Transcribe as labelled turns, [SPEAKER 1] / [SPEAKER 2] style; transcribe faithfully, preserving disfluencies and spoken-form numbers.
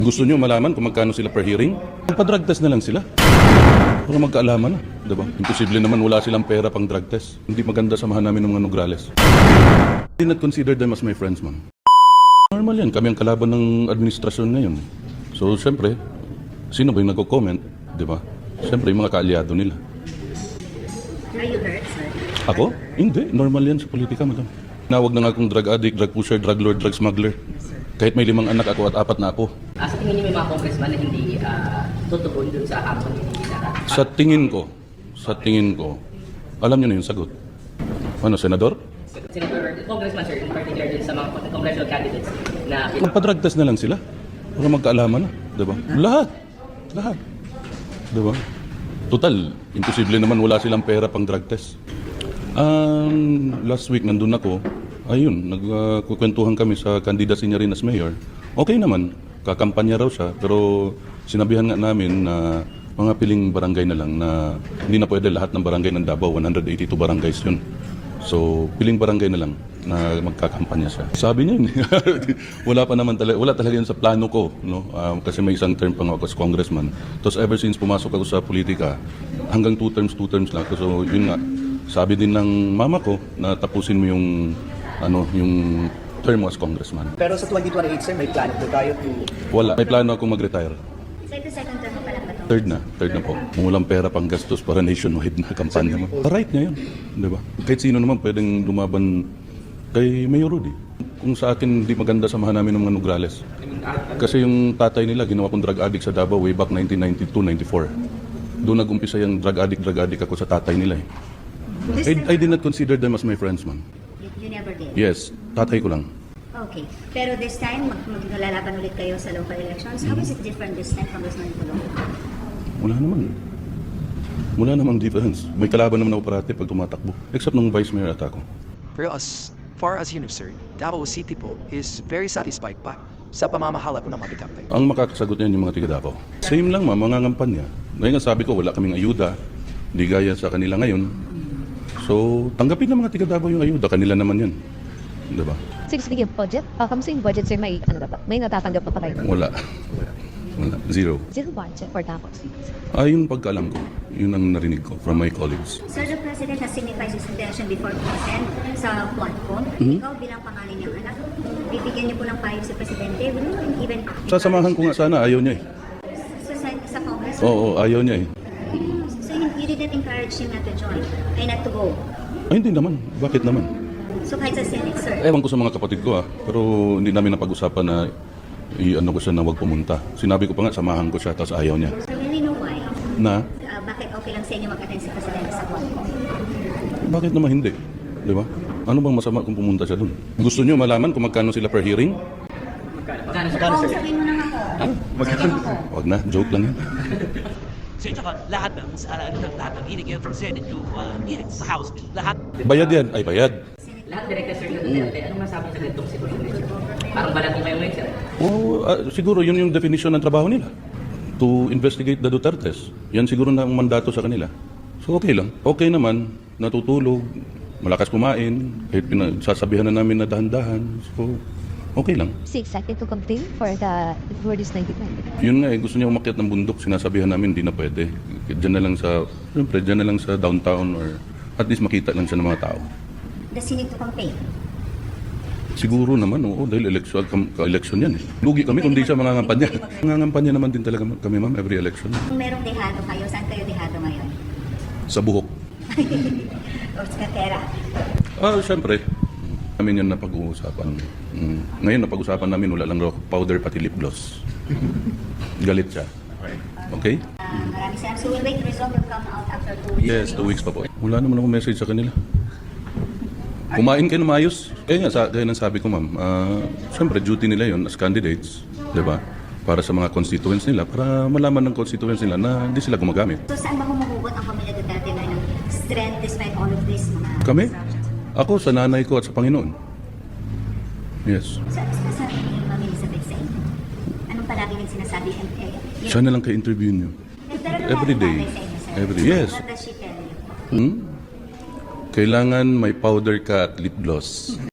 [SPEAKER 1] Gusto nyo malaman kung magkano sila per hearing? Magpa-drug test na lang sila. Para magkaalaman na, diba? Imposible naman wala silang pera pang drug test. Hindi maganda samahan namin ng mga Nograles. I did not consider them as my friends, ma'am. Normal yan, kami ang kalaban ng administrasyon ngayon. So, siyempre, sino ba yung nagko-comment, diba? Siyempre, yung mga kaalyado nila.
[SPEAKER 2] Are you hurt, sir?
[SPEAKER 1] Ako? Hindi, normal yan sa politika, madam. Nawag na nga akong drug addict, drug pusher, drug lord, drug smuggler. Kahit may limang anak ako at apat na ako.
[SPEAKER 3] Ah, sa tingin niyo may mga congressman na hindi uh, tutugon dun sa hamon ni Sara?
[SPEAKER 1] Sa tingin ko, sa tingin ko, alam niyo na yung sagot. Ano, senador?
[SPEAKER 3] Senator, congressman sir, in particular dun sa mga congressional candidates na...
[SPEAKER 1] Magpa-drug test na lang sila. Para magkaalaman na, diba? Lahat. Lahat. Diba? Total, imposible naman wala silang pera pang drug test. Um, last week, nandun ako. Ayun, nagkukwentuhan kami sa candidacy niya rin as mayor. Okay naman, kakampanya raw siya, pero sinabihan nga namin na mga piling barangay na lang na hindi na pwede lahat ng barangay ng Davao, one hundred eighty-two barangays yun. So, piling barangay na lang na magkakampanya siya. Sabi niya yun, wala pa naman talaga, wala talaga yun sa plano ko, no? Um, kasi may isang term pa nga ako as congressman. Tapos ever since pumasok ako sa politika, hanggang two terms, two terms lang. So, yun nga, sabi din ng mama ko na tapusin mo yung ano, yung term as congressman.
[SPEAKER 4] Pero sa twenty twenty-eight, sir, may plan po tayo to...
[SPEAKER 1] Wala. May plano akong mag-retire.
[SPEAKER 2] Sir, the second term mo pa lang ba ito?
[SPEAKER 1] Third na. Third na po. Kung walang pera pang gastos para nationwide na kampanya mo. Right niya yun. Di ba? Kahit sino naman pwedeng lumaban kay Mayor Rudy. Kung sa akin, hindi maganda samahan namin ng mga Nograles. Kasi yung tatay nila, ginawa kong drug addict sa Davao way back nineteen ninety-two ninety-four. Doon nag-umpisa yung drug addict, drug addict ako sa tatay nila eh. I, I did not consider them as my friends, man.
[SPEAKER 2] You, you never did?
[SPEAKER 1] Yes, tatay ko lang.
[SPEAKER 2] Okay. Pero this time, mag maglalaban ulit kayo sa local elections. How is it different this time, Congressman Colong?
[SPEAKER 1] Wala naman. Wala namang difference. May kalaban naman ako parati pag tumatakbo. Except nung vice mayor ata ako.
[SPEAKER 5] For us, far as you know, sir, Davao City po is very satisfied pa sa pamamahala po ng mga bidang.
[SPEAKER 1] Ang makakasagot niyan yung mga tiga Davao. Same lang ma, mga ngampanya. Ngayon nga sabi ko, wala kaming ayuda. Hindi gaya sa kanila ngayon. So, tanggapin ng mga tiga Davao yung ayuda. Kanila naman yan. Diba?
[SPEAKER 6] Sir, speaking of budget, uh, kamusta yung budget, sir? May, ano na ba? May natatanggap na pa kayo?
[SPEAKER 1] Wala. Wala. Zero.
[SPEAKER 6] Zero budget for Davao City.
[SPEAKER 1] Ah, yung pagkaalam ko. Yun ang narinig ko from my colleagues.
[SPEAKER 2] Sir, the President has signified his intention before consent sa Quadcom.
[SPEAKER 1] Mhm.
[SPEAKER 2] Ikaw bilang pangalan niyang anak, bibigyan niyo po ng payo si Presidente. Will you even...
[SPEAKER 1] Sasamahan ko nga sana. Ayaw niya eh.
[SPEAKER 2] Sa, sa, sa Congress?
[SPEAKER 1] Oo, oo, ayaw niya eh.
[SPEAKER 2] So you, you didn't encourage him not to join, ay not to go.
[SPEAKER 1] Ay, hindi naman. Bakit naman?
[SPEAKER 2] So kahit sa Senate, sir.
[SPEAKER 1] Ewan ko sa mga kapatid ko ah. Pero hindi namin napag-usapan na i-ano ko siya na huwag pumunta. Sinabi ko pa nga, samahan ko siya, tapos ayaw niya.
[SPEAKER 2] So really know why?
[SPEAKER 1] Na?
[SPEAKER 2] Uh, bakit okay lang sa inyo mag-attend si Presidente sa Quadcom?
[SPEAKER 1] Bakit naman hindi? Di ba? Ano bang masama kung pumunta siya dun? Gusto niyo malaman kung magkano sila per hearing?
[SPEAKER 3] Magkano sir?
[SPEAKER 2] Oo, sabihin mo na nga ako. Sabihin mo ko.
[SPEAKER 1] Wag na, joke lang yan.
[SPEAKER 7] So ito ka, lahat ng, uh, ng lahat ng hearing from Senate to uh, hearing sa House, lahat.
[SPEAKER 1] Bayad yan. Ay, bayad.
[SPEAKER 3] Lahat direkta sir na Duterte, anong masabi sa ganitong sitwasyon sir? Parang balat mo kayo ngayon sir.
[SPEAKER 1] Oo, ah, siguro yun yung definition ng trabaho nila. To investigate the Dutertes. Yan siguro na ang mandato sa kanila. So okay lang. Okay naman, natutulog, malakas kumain, kahit sasabihan na namin na dahan-dahan. So, okay lang.
[SPEAKER 6] Is he excited to campaign for the for this nineteen twenty?
[SPEAKER 1] Yun nga eh, gusto niya umakyat ng bundok, sinasabihan namin hindi na pwede. Diyan na lang sa, siyempre, diyan na lang sa downtown or at least makita lang siya ng mga tao.
[SPEAKER 2] Does he need to campaign?
[SPEAKER 1] Siguro naman, oo, dahil election, ka-election yan eh. Lugi kami kung di siya mangangampanya. Mangangampanya naman din talaga kami ma'am, every election.
[SPEAKER 2] Kung merong dehado kayo, saan kayo dehado ngayon?
[SPEAKER 1] Sa buhok.
[SPEAKER 2] O sa Katera?
[SPEAKER 1] Ah, siyempre. Namin yan napag-uusapan. Mm. Ngayon, napag-usapan namin, wala lang raw powder pati lip gloss. Galit siya. Okay?
[SPEAKER 2] Uh, maraming salamat. So we'll wait, the result will come out after two weeks.
[SPEAKER 1] Yes, two weeks pa po. Wala naman akong message sa kanila. Kumain kayo na maayos. Kaya nga, sa, kaya nang sabi ko ma'am, uh, siyempre duty nila yon as candidates, di ba? Para sa mga constituents nila, para malaman ng constituents nila na hindi sila gumagamit.
[SPEAKER 2] So saan ba humuhugot ang pamilya Duterte na ng strength despite all of this? Mga
[SPEAKER 1] Kami?
[SPEAKER 2] disruptions?
[SPEAKER 1] Ako sa nanay ko at sa Panginoon. Yes.
[SPEAKER 2] So ano sinasabi niyo yung Ma'am Elizabeth sa inyo? Anong palagi niyang sinasabi? And, eh, yun-
[SPEAKER 1] Siya na lang ka-interview niyo.
[SPEAKER 2] Pero
[SPEAKER 1] every day.
[SPEAKER 2] nanay sa inyo, sir.
[SPEAKER 1] Every- yes.
[SPEAKER 2] What does she tell you?
[SPEAKER 1] Hmm? Kailangan may powder ka at lip gloss.